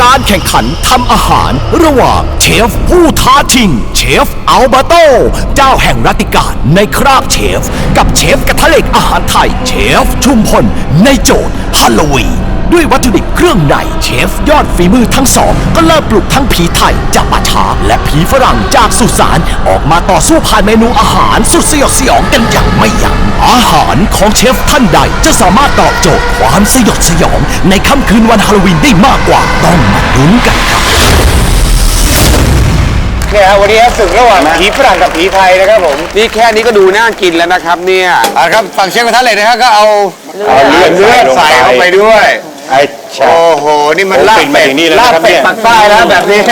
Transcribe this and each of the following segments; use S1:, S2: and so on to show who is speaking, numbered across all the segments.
S1: การแข่งขันทำอาหารระหว่างเชฟผู้ท้าชิงเชฟอัลเบโตเจ้าแห่งรัตติการในคราบเชฟกับเชฟกระทะเหล็กอาหารไทยเชฟชุมพลในโจทย์ฮาโลวีนด้วยวัตถุดิบเครื่องในเชฟยอดฝีมือทั้งสองก็เริ่มปลุกทั้งผีไทยจากป่าช้าและผีฝรั่งจากสุสานออกมาต่อสู้ผ่านเมนูอาหารสุดสยดสยองกันอย่างไม่ยั้งอาหารของเชฟท่านใดจะสามารถตอบโจทย์ความสยดสยองในค่ำคืนวันฮาโลวีนได้มากกว่าต้องมาลุ้นกันครับ
S2: เนี่ยวันนี้ศึกระหว่างผีฝรั่งกับผีไทยนะครับผม
S3: นี่แค่นี้ก็ดูน่ากินแล้วนะครับเนี่ย
S2: ครับฝั่งเชฟกระทะเหล็กนะครับก็เอาเลือดใส่เข้าไปด้วยโอ้โหนี่มันลาบเป็ดปักใต้แล้วแบบนี้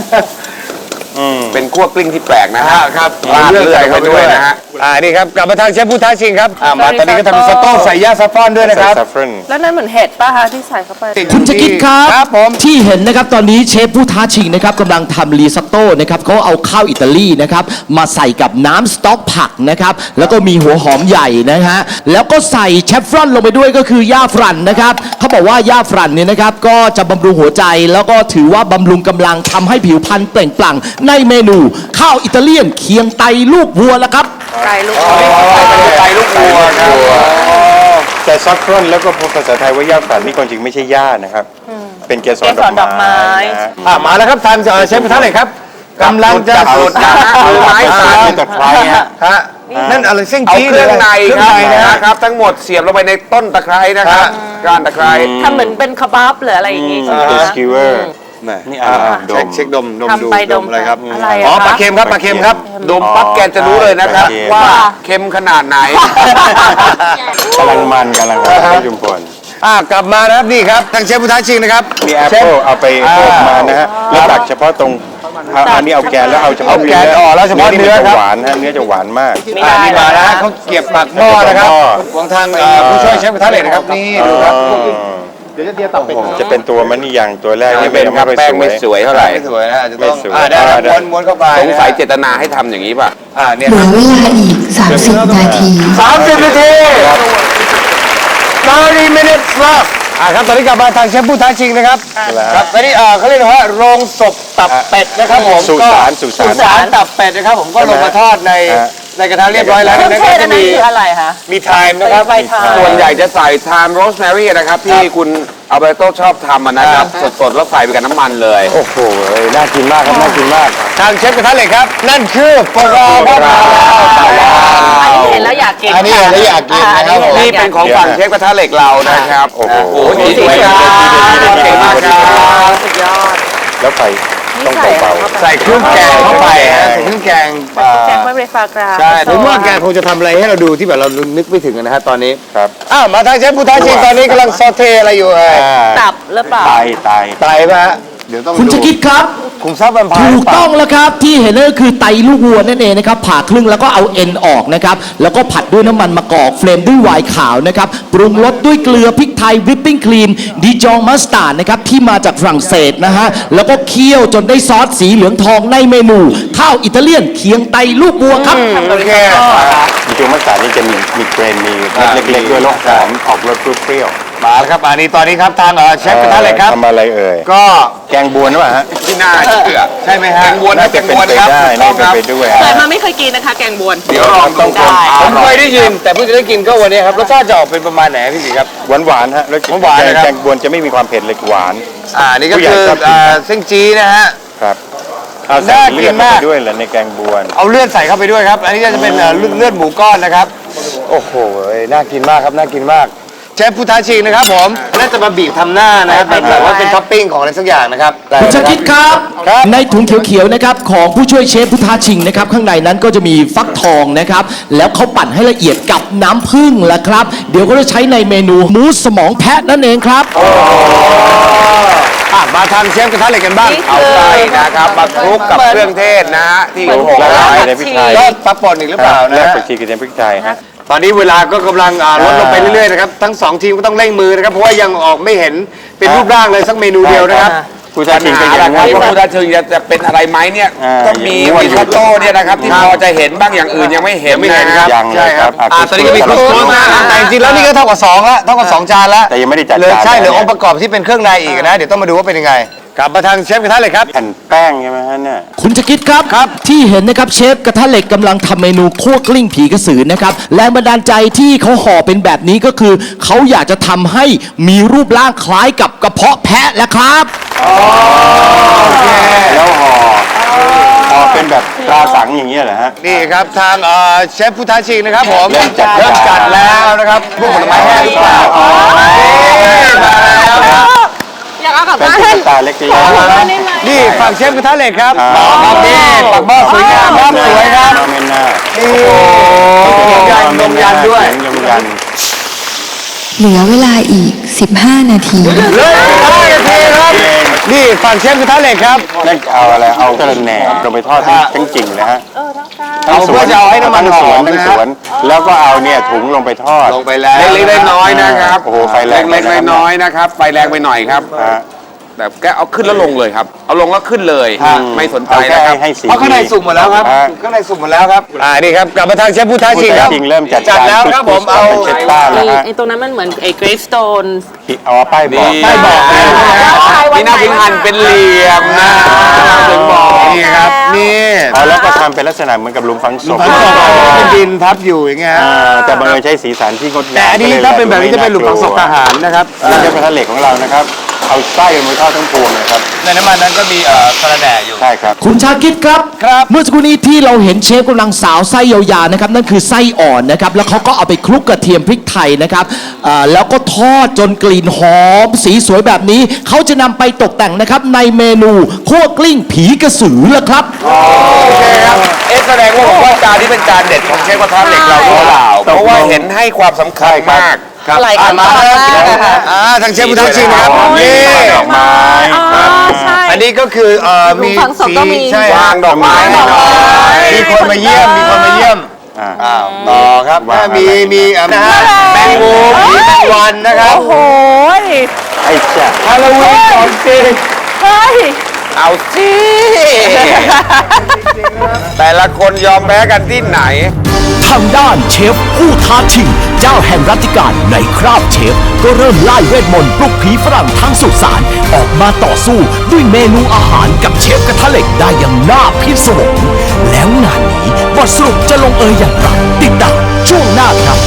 S3: เป็นคั่วกลิ้งที่แปลกนะฮะ
S2: ครับเลือดใส่เข้าไปด้วยนะฮะนี่ครับกลับมาทางเชฟผู้ท้าชิงครับมาตอนนี้ก็ทำสต๊อกใส่ย่าซัฟฟอนด้วยนะครับ
S4: แล้วนั่นเหมือนเห็ดป่ะคะที่ใส่เข้าไป
S1: คุณจะคิดครับ
S2: ผม
S1: ที่เห็นนะครับตอนนี้เชฟผู้ท้าชิงนะครับกำลังทำรีซอตโต้นะครับเขาเอาข้าวอิตาลีนะครับมาใส่กับน้ำสต๊อกผักนะครับแล้วก็มีหัวหอมใหญ่นะฮะแล้วก็ใส่เชฟฟรอนลงไปด้วยก็คือย่าฝรั่นนะครับเขาบอกว่าย่าฝรั่นเนี่ยนะครับก็จะบำรุงหัวใจแล้วก็ถือว่าบำรุงกำลังทำให้ผิวพรรณเปล่งปลั่งในเมนูข้าวอิตาเลียนเคียงไตลูกวัวแล้วครับ
S4: ไตลูก
S3: วัวครับ
S5: แต่ซัฟฟรอนแล้วก็ภาษาไทยว่าย่าฝรั่นนี่ความจริงไม่ใช่ย่านะครับเป็นเกสรดอกไม้
S2: มาแล้วครับทานเชฟกระทะเหล็กครับกำลังจะ
S3: สุดนะมือไม้สั่น
S5: ตะไคร้
S2: ฮะนั่นอะไรเส้น
S3: จี้เครื่องในครับทั้งหมดเสียบลงไปในต้นตะไคร้นะครับก้านตะไคร้
S4: ทำเหมือนเป็นคาบาบหรืออะไรอย่างงี้ใช่ไหมคะ
S5: สกิวเวอร์
S2: นี่เช็คดมอะไรครับ
S4: อะไร
S2: ปลาเค็มครับปลาเค็มครับ
S3: ดมปั๊บแกจะรู้เลยนะครับว่าเค็มขนาดไหน
S5: กำลังมันจุ่มพล
S2: กลับมานะครับนี่ครับทางเชฟผู้ท้าชิงนะครับ
S5: มีแอปเปิลเอาไปโขลกมานะฮะแล้วตักเฉพาะตรงอันนี้เอาแกนแล้วเอาเฉพาะ
S2: แกนแล้วเฉพาะเนื้อครับ
S5: หวานฮะเนื้อจะหวานมาก
S2: นี่มาแล้วเขาเก็บปากหม้อนะครับของทางผู้ช่วยเชฟผู้ท้าเหล็กนะครับนี่ดูครับเดี๋ยวจะเตียตับเป็ด
S5: จะเป็นตัวมันนี่อย่างตัวแรก
S3: นี่เป็นครับแป้งไม่สวยเท่าไหร่
S2: ไม่สวยนะจะต้องได้ม้วนเข้าไป
S3: สงสัยเจตนาให้ทำอย่างนี้ป่ะ
S6: เหลือเวลาอีก30 นาที
S2: 30 นาที30 minutes left ครับตอนนี้กลับมาทางเชฟผู้ท้าชิงนะครับครับตอนนี้เขาเรียกว่าโรงศพตับเป็ดนะครับผม
S5: สุสาน
S2: ตับเป็ดนะครับผมก็ลงมาทอดในกระทะเรียบร้อยแล้ว
S4: นะก็จะมีอะไรคะ
S2: มีไทม์นะครับ
S3: ส่วนใหญ่จะใส่ไทม์โรสแมรี่นะครับที่คุณอัลเบโตชอบทำนะครับสดๆแล้วใส่ไปกับน้ำมันเลย
S2: โอ้โหน่ากินมากครับน่ากินมากทางเชฟกระทะเหล็กครับนั่นคือปลาอั
S4: นนี้เห็นแล้วอยากกิน
S2: อันนี้เห็นแล้วอยากกินนะครับ
S3: นี่เป็นของฝั่งเชฟกระทะเหล็กเรานะครับโอ้โหดีสวยงามเก่งมากครับ
S4: สุดยอด
S5: แล้วไปต้องเบา
S2: ๆใส่เครื่องแกงเข้าไปใส่เครื่องแกง
S4: ไม่เบรฟากรา
S2: ใช่ผมว่าแกคงจะทำอะไรให้เราดูที่แบบเรานึกไม่ถึงนะฮะตอนนี้
S5: ครับ
S2: มาทางเชฟผู้ท้าชิงตอนนี้กำลังซอเทอะไรอยู่
S4: ตับหรือเปล่า
S5: ไต
S2: ป่ะเดี๋ยวต้อง
S1: คุณจะคิดครับ
S2: คุมทรัพย์แวมไพร์
S1: ถูกต้องแล้วครับที่เห็นนั่นก็คือไตลูกวัวนั่นเองนะครับผ่าครึ่งแล้วก็เอาเอ็นออกนะครับแล้วก็ผัดด้วยน้ำมันมะกอกเฟรมด้วยไวน์ขาวนะครับปรุงรสด้วยเกลือพริกไทยวิปปิ้งครีมดิจองมัสตาร์ดนะครับที่มาจากฝรั่งเศสนะฮะแล้วก็เคี่ยวจนได้ซอสสีเหลืองทองในเมนูข้าวอิตาเลียนเคียงไตลูกวัวครับ
S2: โอเค
S5: ดิจองมัสตาร์ดนี่จะมีเกรนมีเล็กๆด้วยรสหอมออกรสเปรี้ยว
S2: มาแล้วครับตอนนี้ครับทางเชฟกระทะเหล็กครับ
S5: ทำอะไรเอ่ย
S2: ก็
S5: แกงบวนหรือเปล่าฮะ
S3: ที่น่าเชื่อ
S2: ใช่ไหมฮะ
S3: แกงบวน
S5: น่าจะเป็นไปได้น่าจะไปด้วย
S4: แต่มาไม่เคยกินนะคะแกงบวน
S3: เดี๋ยวลองต้อง
S4: ได้
S2: ผมเคยได้ยินแต่เพิ่งจะได้กินก็วันนี้ครับรสชาติจะออกเป็นประมาณไหนพี่สิครับ
S5: หวานฮะแล้ว
S2: หวาน
S5: แกงบวนจะไม่มีความเผ็ดเลยหวาน
S2: นี่ก็คือเส้นจี้นะฮะ
S5: ครับเอาใส่เลือดเข้าไปด้วยเหรอในแกงบวน
S2: เอาเลือดใส่เข้าไปด้วยครับอันนี้จะเป็นเลือดหมูก้อนนะครับโอ้โหน่ากินมากครับน่ากินมากเชฟผู้ท้าชิงนะครับผมน่าจะมาบีบทำหน้านะครับแบบว่าเป็นท็อปปิ้งของอะไรสักอย่างนะครับ
S1: คุณชาคิดครับในถุงเขียวๆนะครับของผู้ช่วยเชฟผู้ท้าชิงนะครับข้างในนั้นก็จะมีฟักทองนะครับแล้วเขาปั่นให้ละเอียดกับน้ำผึ้งละครับเดี๋ยวก็จะใช้ในเมนูหมูสมองแพะนั่นเองครับ
S2: มาทำเชฟกระทะเหล็กกันบ้าง
S3: เอาใจนะครับมาคลุกกับเครื่องเทศนะฮะที่โขลก
S5: ละลายในพริกไทย
S2: ก็ปลาป่นอีกหรือเปล่านะ
S5: ผักชีกระเทียมพริกไทยฮะ
S2: ตอนนี้เวลาก็กำลังลดลงไปเรื่อยๆนะครับทั้ง2ทีมก็ต้องเร่งมือนะครับเพราะว่ายังออกไม่เห็นเป็นรูปร่างเลยสักเมนูเดียวนะครับ
S3: ผู้ท้าชิงเป็นอย่างไรว่าผู้ท้าชิงจะเป็นอะไรไหมเนี่ยก็มีริซอตโต้เนี่ยนะครับที่พอจะเห็นบ้างอย่างอื่นยังไม่เห็น
S5: นะครับ
S2: ใช่ครับตอนนี้ก็มีครบถ้วนนะแต่จริงๆแล้วนี่ก็เท่ากับ2แล้วเท่ากับ2จานแล้ว
S5: แต่ยังไม่ได้จัด
S2: เลยใช่เหลือองค์ประกอบที่เป็นเครื่องในอีกนะเดี๋ยวต้องมาดูว่าเป็นยังไงกลับมาทางเชฟกระทะเหล็กครับ
S5: แผ่นแป้งใช่ไหมฮะเนี่ย
S1: คุณจะคิดครับที่เห็นนะครับเชฟกระทะเหล็กกำลังทำเมนูคั่วกลิ้งผีกระสือนะครับแรงบันดาลใจที่เขาห่อเป็นแบบนี้ก็คือเขาอยากจะทำให้มีรูปร่างคล้ายกับกระเพาะแพะแหละครับ
S5: แล้วห่อเป็นแบบตราสังอย่างเงี้ยเหรอฮะ
S2: นี่ครับทางเชฟผู้ท้าชิงนะครับผม
S5: เริ่มจัด
S2: เริ่มจัดแล้วนะครับพวกผลไม้แห้งหรือเปล่ามาแล้วครับ
S4: อยากเอากลับ
S5: เป็น
S4: บ้าน
S5: ตุ๊กตาเล็ก
S2: นี่ฝั่งเชฟกระทะเหล็กครับ
S5: ๆ
S2: ครับนี่ปักหม้อสวยงามครับสวยครับ
S5: เมนหน้า
S2: นี่นมยันด้วย
S5: นมยัน
S6: เหลือเวลาอีก 15 นาที
S2: เลย5 นาทีครับนี่ฝั่งเชฟกระทะเหล็กครับ
S5: นั่นเอาอะไรเอากระแหน่ลงไปทอดทั้งจริงเลยฮะ
S2: เอาเพื่อจะเอาให้น้ำมันหอม
S5: ทั้
S2: นะ
S5: ง
S2: ฮะ
S5: สวน แล้วก็เอาเนี่ยถุงลงไปทอด
S2: ลงไปแล้ว
S3: เล็กๆน้อยๆนะครับ
S5: โอ้โหไฟแรง
S3: เล็กๆน้อยๆนะครับไฟแรงไปหน่อยครับ
S5: ฮะ
S3: แบบแกเอาขึ้นแล้วลงเลยครับ เอาลงแล้วขึ้นเลย ไม่สนใจ
S5: เอาแค่
S3: นะครับ
S5: ให้สี
S2: เพราะข้างในสุกหมดแล้วครับ
S5: ฮะ
S2: ข้างในสุกหมดแล้วครับนี่ครับกลับมาทางเชฟผู้ท้าชิงครับ
S5: จริงเริ่มจัด
S2: จัดแล้วครับผมเอา
S5: เป็นเช็ดบ้านแล้วฮะ
S4: ไอ้ตรงนั้นมันเหมือนไอ้ gravestone
S5: เอาป้ายบอก
S2: ไม่บอกนะ
S3: นี่น่าถึงหั่นเป็นเหลี่ยมนะถึงบอก
S2: นี่ครับนี่
S5: เอาแล้วก็ทำเป็นลักษณะเหมือนกับหลุมฝังศพ
S2: ฝังศพเป็นดินทับอยู่อย่างเงี้ยฮะ
S5: แต่บังเอิญใช้สีสันที่งดงาม
S2: แต่อันนี้ถ้าเป็นแบบนี้จะเป็นหลุมฝังศพทหารนะครับ
S5: นี่จะเป็นทะเลของเรานะครับ เอาไส้มันเข้าทั้งพวงนะครับ
S2: ในน้ำมันนั้นก็มีสระแหน่อยู่
S5: ใช่ครับ
S1: คุณชาคิดครับ เมื่อสักครู่นี้ที่เราเห็นเชฟกำลังสาวไส้ยาวๆนะครับนั่นคือไส้อ่อนนะครับแล้วเขาก็เอาไปคลุกกระเทียมพริกไทยนะครับแล้วก็ทอดจนกลิ่นหอมสีสวยแบบนี้เขาจะนำไปตกแต่งนะครับในเมนูคั่วกลิ้งผีกระสือละครับ
S3: โอเคครับแสดงว่าผมว่าจานนี้เป็นจานเด็ดของเชฟกระทะเหล็กเราหรือเปล่าเพราะว่าเห็นให้ความสำคัญมาก
S4: อะไรกันบ้างนะคะ
S2: ทางเชฟผู้ท้าชิงนะครับนี่
S5: ดอกไม้
S4: ใช่
S2: อันนี้ก็คือมี
S4: หลุมฝังศพก็มี
S2: ใช่
S3: วางดอกไม้
S2: มีคนมาเยี่ยมมีคนมาเยี่ยม
S5: อ่า
S2: ต่อครับ
S5: วางอะไร
S2: มีนะฮะแมงมุมมีแมงวันนะครับ
S4: โอ้ย
S5: ไอ้แจ๊ะ
S2: ฮาโลวีนของจริง
S4: เฮ้ย
S3: เอาสิแต่ละคนยอมแพ้กันที่ไหน
S1: ทางด้านเชฟผู้ท้าชิงเจ้าแห่งรัตติการในคราบเชฟก็เริ่มไล่เวทมนต์ปลุกผีฝรั่งทั้งสุสานออกมาต่อสู้ด้วยเมนูอาหารกับเชฟกระทะเหล็กได้อย่างน่าพิศวงแล้วงานนี้บทสรุปจะลงเอยอย่างไรติดตามช่วงหน้าครับ